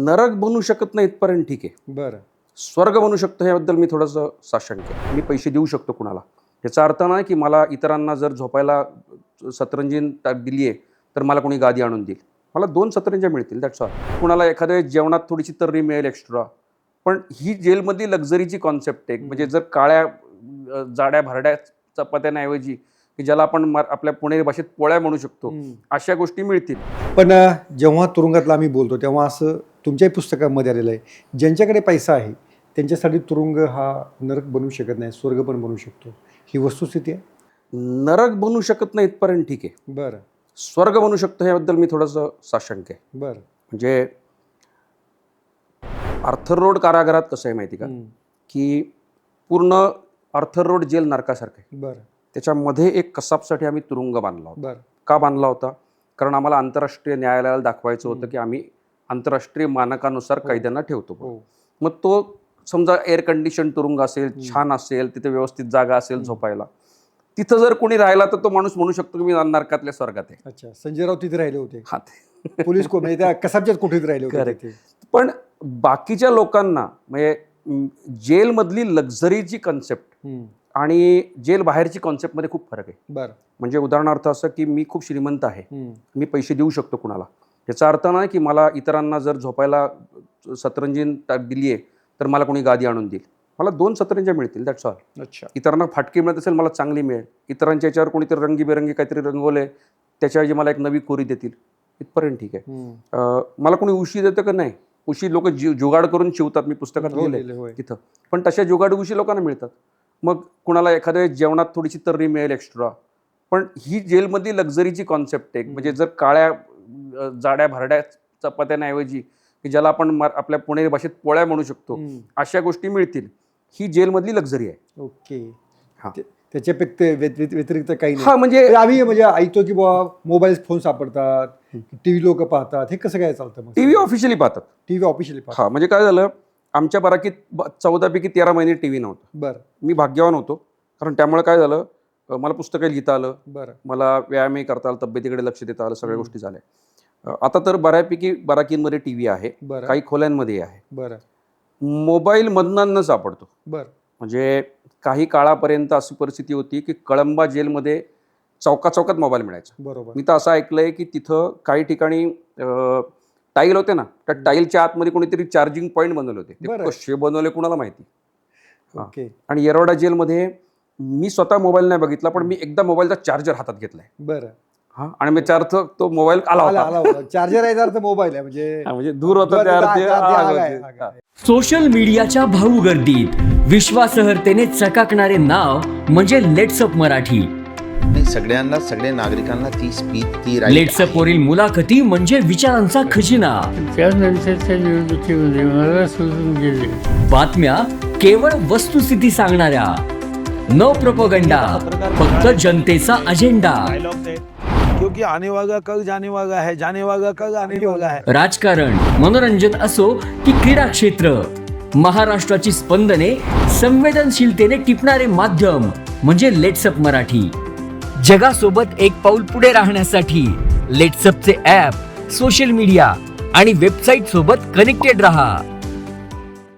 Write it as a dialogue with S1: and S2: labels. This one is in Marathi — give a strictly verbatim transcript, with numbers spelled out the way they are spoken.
S1: नरक बनू शकत नाही इथपर्यंत ठीक आहे.
S2: बरं.
S1: स्वर्ग बनू शकतो ह्याबद्दल मी थोडंसं साशंक आहे. मी पैसे देऊ शकतो कुणाला, याचा अर्थ नाही की मला इतरांना जर झोपायला सतरंजी दिली आहे तर मला कोणी गादी आणून देईल. मला दोन सतरंज्या मिळतील, दॅट्स ऑल. कुणाला एखाद्या जेवणात थोडीशी तर्री मिळेल एक्स्ट्रा. पण ही जेलमधली लक्झरीची कॉन्सेप्ट आहे. म्हणजे जर काळ्या जाड्या भरड्या चपात्यांऐवजी की ज्याला आपण आपल्या पुणेरी भाषेत पोळ्या म्हणू शकतो, अशा गोष्टी मिळतील.
S2: पण जेव्हा तुरुंगातला आम्ही बोलतो तेव्हा असं तुमच्याही पुस्तकामध्ये आलेलं आहे, ज्यांच्याकडे पैसा आहे त्यांच्यासाठी तुरुंग हा नरक बनू शकत नाही, स्वर्ग पण बनू शकतो. ही वस्तुस्थिती आहे.
S1: नरक बनू शकत नाही इथपर्यंत ठीक आहे.
S2: बरं.
S1: स्वर्ग बनू शकतो ह्याबद्दल मी थोडंसं साशंक आहे.
S2: बरं.
S1: म्हणजे आर्थर रोड कारागृहात कसं आहे माहिती का, की पूर्ण आर्थर रोड जेल नरकासारखं आहे.
S2: बरं.
S1: त्याच्यामध्ये एक कसाबसाठी आम्ही तुरुंग बांधला होता.
S2: बरं.
S1: का बांधला होता? कारण आम्हाला आंतरराष्ट्रीय न्यायालयाला दाखवायचं होतं की आम्ही आंतरराष्ट्रीय मानकानुसार कैद्यांना ठेवतो. मग तो समजा एअर कंडिशन तुरुंग असेल, छान असेल, तिथे व्यवस्थित जागा असेल झोपायला, तिथं जर कोणी राहिला तर तो माणूस म्हणू शकतो की मी नरकातल्या स्वर्गात आहे.
S2: अच्छा, संजय राऊत तिथे राहिले होते.
S1: हा,
S2: पोलीस को म्हणजे त्या कसाबच्याच कोठीत राहिले होते.
S1: पण बाकीच्या लोकांना म्हणजे जेलमधली लक्झरीची कॉन्सेप्ट आणि जेल बाहेरची कॉन्सेप्टमध्ये खूप फरक आहे.
S2: बरं.
S1: म्हणजे उदाहरणार्थ असं की मी खूप श्रीमंत आहे, मी पैसे देऊ शकतो कुणाला, याचा अर्थ नाही की मला इतरांना जर झोपायला सतरंजी दिली आहे तर मला कोणी गादी आणून देईल. मला दोन सतरंज्या मिळतील, दॅट्स ऑल.
S2: अच्छा.
S1: इतरांना फाटकी मिळत असेल, मला चांगली मिळेल. इतरांच्या याच्यावर कोणीतरी रंगीबेरंगी काहीतरी रंगवले, त्याच्याऐवजी मला एक नवी कोरी देतील, इथपर्यंत ठीक आहे. मला कोणी उशी देतं का नाही? उशी लोक जी जुगाड करून शिवतात, मी पुस्तकात लिहिलंय तिथं. पण तशा जुगाड उशी लोकांना मिळतात. मग कुणाला एखाद्या जेवणात थोडीशी तर्री मिळेल एक्स्ट्रा. पण ही जेलमधली लक्झरीची कॉन्सेप्ट आहे. म्हणजे जर काळ्या जाड्या भरड्या चपात्यांऐवजी की ज्याला आपण आपल्या पुणेरी भाषेत पोळ्या म्हणू शकतो, अशा गोष्टी मिळतील. ही जेलमधली लक्झरी आहे.
S2: ओके. हा, त्याच्यापेक्षा व्यतिरिक्त काही नाही.
S1: हा, म्हणजे
S2: आम्ही म्हणजे ऐकतो की बाबा मोबाईल फोन सापडतात, टीव्ही लोक पाहतात, हे कसं काय चालतं?
S1: टीव्ही ऑफिशियली पाहतात.
S2: टीव्ही ऑफिशियली पाहतात.
S1: हा, म्हणजे काय झालं, आमच्या बाराकीत चौदा पैकी तेरा महिने टीव्ही नव्हता.
S2: बरं.
S1: मी भाग्यवान होतो, कारण त्यामुळे काय झालं, मला पुस्तकं लिहिता आलं.
S2: बरं.
S1: मला व्यायामही करता आलं, तब्येतीकडे लक्ष देता आलं, सगळ्या गोष्टी झाल्या. आता तर बऱ्यापैकी बाराकींमध्ये टीव्ही आहे, काही खोल्यांमध्ये आहे.
S2: बरं.
S1: मोबाईल मधनं सापडतो.
S2: बरं. म्हणजे
S1: काही काळापर्यंत अशी परिस्थिती होती की कळंबा जेलमध्ये चौका चौकात मोबाईल मिळायचा.
S2: बरोबर.
S1: मी तर असं ऐकलंय की तिथं काही ठिकाणी टाईल होते ना, त्या टाईलच्या आतमध्ये कोणीतरी चार्जिंग पॉईंट बनवले होते. ते कसे बनवले कुणाला माहिती.
S2: ओके.
S1: आणि येरवडा जेलमध्ये मी स्वतः मोबाईल नाही बघितला, पण मी एकदा मोबाईलचा चार्जर हातात घेतलाय.
S2: बरं.
S1: हा, आणि मी चार्ज तो मोबाईल आला होता.
S2: चार्जर आहे तर मोबाईल आहे, म्हणजे
S1: म्हणजे दूर होता त्या.
S3: सोशल मीडियाच्या भाऊ गर्दीत विश्वासार्हतेने चकाकणारे नाव म्हणजे लेट्सअप मराठी.
S4: सगळ्यांना, सगळ्या नागरिकांना ती स्पीच ती
S3: लेट्सअप वरील मुलाखती म्हणजे विचारांचा खजिना.
S5: त्यानंतरच्या निवडणुकीमध्ये मला सोडून गेले.
S3: बातम्या केवळ वस्तुस्थिती सांगणाऱ्या, न प्रोपगंडा, फक्त जनतेचा अजेंडा.
S6: क्योंकि आने वाला कल जाने वाला है, जाने वाला कल आने वाला है.
S3: राजकारण, मनोरंजन असो की क्रीडा क्षेत्र, महाराष्ट्राची स्पंदने संवेदनशीलतेने टिपणारे माध्यम म्हणजे लेट्सअप मराठी. जगासोबत एक पाऊल पुढे राहण्यासाठी लेट्सअपचे ॲप, सोशल मीडिया आणि वेबसाईट सोबत कनेक्टेड रहा.